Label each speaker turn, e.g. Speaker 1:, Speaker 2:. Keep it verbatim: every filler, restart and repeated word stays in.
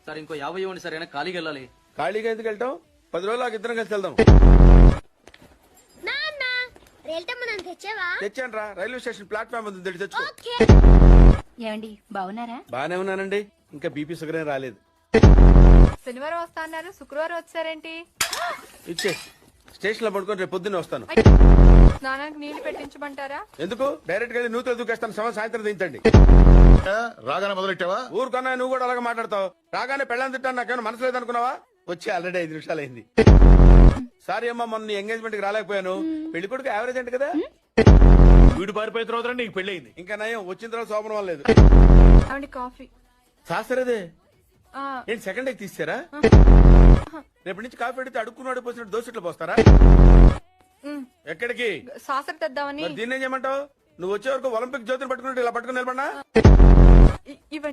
Speaker 1: Sir ఇంకో యాభై ఇవ్వండి సార్, అయినా ఖాళీకి వెళ్ళాలి.
Speaker 2: ఖాళీగా ఎందుకు వెళ్తాం? పది రోజులు నాకు ఇద్దరం కలిసి వెళ్దాం.
Speaker 3: నాన్న రేల్టమ్మ నన్ను తెచ్చావా?
Speaker 2: తెచ్చాను రా, రైల్వే స్టేషన్ ప్లాట్ఫామ్ ఉంది, తెచ్చి తెచ్చుకో.
Speaker 3: ఓకే.
Speaker 4: ఏమండి బాగున్నారా?
Speaker 2: బానే ఉన్నానండి, ఇంకా బీపీ షుగర్ ఏం రాలేదు.
Speaker 5: శనివారం వస్తా అన్నారు, శుక్రవారం వచ్చారేంటి?
Speaker 2: ఇచ్చే స్టేషన్ లో పడుకొని రేపు పొద్దున్నే వస్తాను.
Speaker 5: స్నానానికి నీళ్లు పెట్టించమంటారా?
Speaker 2: ఎందుకు డైరెక్ట్ గా వెళ్ళి నూతులు దూకేస్తాను, సమయం సాయంత్రం దించండి.
Speaker 6: రాగానే మొదలెట్టావా?
Speaker 2: ఊరుకన్నా నువ్వు కూడా అలాగే మాట్లాడతావు. రాగానే పెళ్ళని తిట్టాను, నాకేమైనా మనసు లేదనుకున్నావా? వచ్చి ఆల్రెడీ ఐదు నిమిషాలు అయింది. సారీ అమ్మా, మొన్న ఎంగేజ్మెంట్ కి రాలేకపోయాను. పెళ్లి కొడుకు యావరేజ్ అంటే కదా.
Speaker 6: వీడు పారిపోయిన తర్వాత నీకు పెళ్లి అయింది.
Speaker 2: ఇంకా నయం, వచ్చిన తర్వాత శోభనం వల్ల లేదు.
Speaker 5: అవండి కాఫీ.
Speaker 2: శాస్త్రదే
Speaker 5: ఆ,
Speaker 2: ఏంటి సెకండ్ డేకి తీసారా? రేపటి నుంచి కాఫీ అడిగితే అడుక్కున్నాడు పోసినట్టు దోశట్లు పోస్తారా?
Speaker 5: ఉమ్,
Speaker 2: ఎక్కడికి?
Speaker 5: సాసర తెద్దామని.
Speaker 2: మరి దీన్ని ఏం చేయమంటావు? నువ్వు వచ్చే వరకు ఒలింపిక్ జ్యోతిని పట్టుకున్నట్టు ఇలా పట్టుకుని నిలబడినా
Speaker 5: ఇ- ఇవ్వండి.